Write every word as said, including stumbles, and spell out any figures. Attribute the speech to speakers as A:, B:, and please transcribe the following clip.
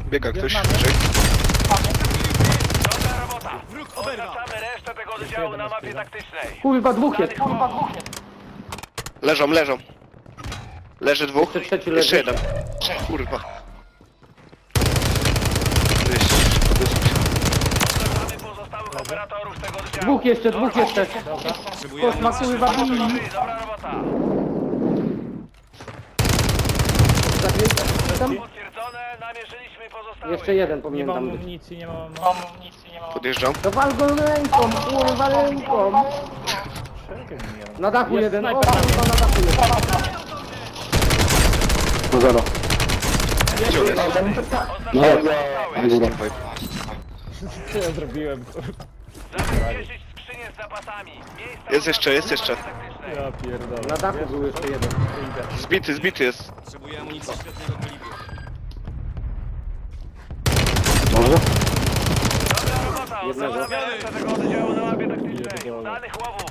A: Biega ktoś,
B: mamy.
A: wyżej.
C: Dobra robota. Oznaczamy resztę tego oddziału na mapie taktycznej.
B: Kurwa, dwóch jest, kurwa, dwóch jest.
A: Leżą, leżą. Leży dwóch.
B: Jeszcze trzeci
A: Jeszcze
B: leży.
A: jeden. Kurwa. Jest.
C: Oznaczamy pozostałych operatorów tego oddziału.
B: Dwóch jeszcze, dwóch jeszcze. Kosz ma kurwa
C: Dobra,
B: bili.
C: dobra robota.
B: Tam?
C: Potwierdzone, namierzyliśmy pozostałych.
B: Jeszcze jeden
D: Nie
B: powinien
D: mam
B: tam być.
D: amunicji, nie mam amunicji.
A: Podjeżdżam.
B: To wal go ręką, kurwa ręką. Na dachu jeden, o kurwa na dachu jeden.
E: No zero.
A: Gdzie on jest?
E: No,
C: Pozostałych.
D: Co ja zrobiłem?
C: Zabezpieczyć skrzynię z zapasami. Miejsca
A: Jest jeszcze, jest jeszcze.
C: taktycznej.
D: Ja pierdolę.
B: Na dachu był jeszcze jeden.
A: Zbity, zbity jest.
E: może?
C: Dobra robota,
B: Jednego.
C: oznaczamy resztę tego oddziału na mapie taktycznej. Danych łowów